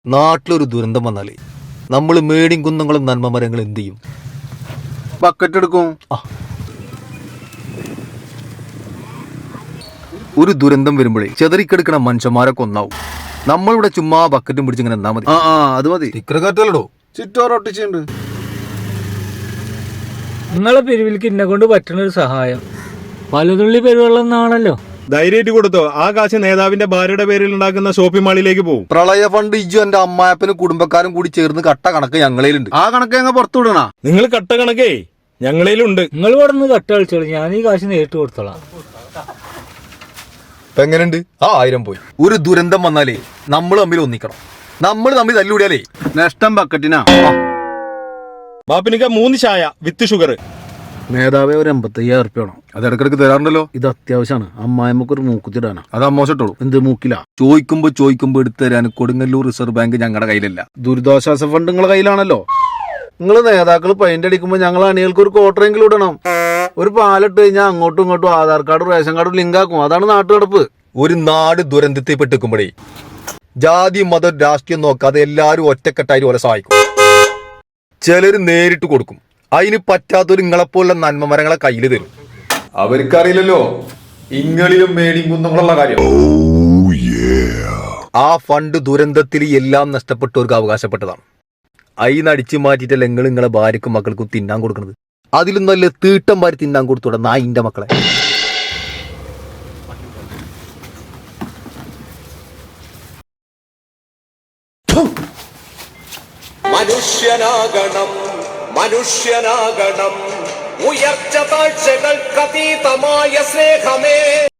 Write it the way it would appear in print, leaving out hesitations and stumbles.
നാട്ടിലൊരു ദുരന്തം വന്നാലേ നമ്മൾ മേടിയും കുന്നങ്ങളും നന്മ മരങ്ങൾ എന്ത് ചെയ്യും? ബക്കറ്റ് എടുക്കും. ഒരു ദുരന്തം വരുമ്പോഴേ ചെതറിക്കെടുക്കണ മനുഷ്യന്മാരൊക്കെ ഒന്നാവും. നമ്മളിവിടെ ചുമ്മാ ബക്കറ്റും പിടിച്ചിങ്ങനെ എന്നാ മതി. അത് മതി. ഇക്കറക്കാറ്റല്ലോ ചുറ്റോറൊട്ടിച്ചുണ്ട്. നിങ്ങളെ പിരിവിലേക്ക് എന്നെ കൊണ്ട് പറ്റുന്ന ഒരു സഹായം പലതുള്ളി പെരുവെള്ളം എന്നാണല്ലോ. ധൈര്യമായിട്ട് കൊടുത്തോ. ആ കാശ് നേതാവിന്റെ ഭാര്യയുടെ പേരിൽ ഉണ്ടാക്കുന്ന ഷോപ്പിംഗ് മാളിലേക്ക് പോകും. പ്രളയ ഫണ്ട് ഇജ്ജു എന്റെ അമ്മായപ്പനും കുടുംബക്കാരും കൂടി ചേർന്ന് കട്ട കണക്ക് ഞങ്ങളേലുണ്ട്. ആ കണക്ക് ഞങ്ങൾ പുറത്തു വിടണ. നിങ്ങൾ കട്ട കണക്കേ ഞങ്ങളേലുണ്ട്. നിങ്ങൾ ഇവിടെ നിന്ന് കട്ട കളിച്ചോളൂ, ഞാൻ ഈ കാശ് നേരിട്ട് കൊടുത്തോളാം. ഇപ്പൊ എങ്ങനെയുണ്ട്? 1000 പോയി. ഒരു ദുരന്തം വന്നാലേ നമ്മൾ തമ്മിൽ ഒന്നിക്കണം. നമ്മൾ തമ്മിൽ തല്ലുകൂടിയാലേ നഷ്ടം ബക്കറ്റിനാ. ബാപ്പിനിക്ക 3 ചായ വിത്ത് ഷുഗർ. നേതാവേ ഒരു 85,000 ഉറുപ്പ്യ വേണം. അത് ഇടക്കിടക്ക് തരാറുണ്ടല്ലോ. ഇത് അത്യാവശ്യമാണ്. അമ്മായിമ്മക്ക് ഒരു മൂക്കുത്തിടാനാ. അത് അമ്മോശട്ടോളൂ. എന്ത് മൂക്കില? ചോദിക്കുമ്പോ എടുത്തു തരാൻ കൊടുങ്ങല്ലൂർ റിസർവ് ബാങ്ക് ഞങ്ങളുടെ കയ്യിലല്ല. ദുരിതാശ്വാസ ഫണ്ട് നിങ്ങളെ കയ്യിലാണല്ലോ. നിങ്ങൾ നേതാക്കൾ പെയിന്റ് അടിക്കുമ്പോ ഞങ്ങൾ അണികൾക്ക് ഒരു ക്വാർട്ടറെങ്കിലും ഇടണം. ഒരു പാലിട്ട് കഴിഞ്ഞാൽ അങ്ങോട്ടും ഇങ്ങോട്ടും ആധാർ കാർഡും റേഷൻ കാർഡും ലിങ്ക് ആക്കും. അതാണ് നാട്ടുനടപ്പ്. ഒരു നാട് ദുരന്തത്തിൽ പെട്ടിക്കുമ്പോഴേ ജാതി മതം രാഷ്ട്രീയം നോക്കാതെ എല്ലാവരും ഒറ്റക്കെട്ടായി ഓരെ സഹായിക്കും. ചിലര് നേരിട്ട് കൊടുക്കും. അതിന് പറ്റാത്തൊരു നിങ്ങളെപ്പോലുള്ള നന്മമരങ്ങളെ കയ്യിൽ തരും. അവർക്കറിയില്ലല്ലോ ഇങ്ങളിലും മേടിയും കുന്നങ്ങളുള്ള കാര്യം. ആ ഫണ്ട് ദുരന്തത്തിൽ എല്ലാം നഷ്ടപ്പെട്ടവർക്ക് അവകാശപ്പെട്ടതാണ്. അയിന്നടിച്ചു മാറ്റിയിട്ടല്ല നിങ്ങളെ ഭാര്യക്കും മക്കൾക്കും തിന്നാൻ കൊടുക്കുന്നത്. അതിലും നല്ല തീട്ടം വാരി തിന്നാൻ കൊടുത്തൂടെ നായിന്റെ മക്കളെ. മനുഷ്യനാകണം ഉയർച്ച താഴ്ചകൾക്കതീതമായ സ്നേഹമേ.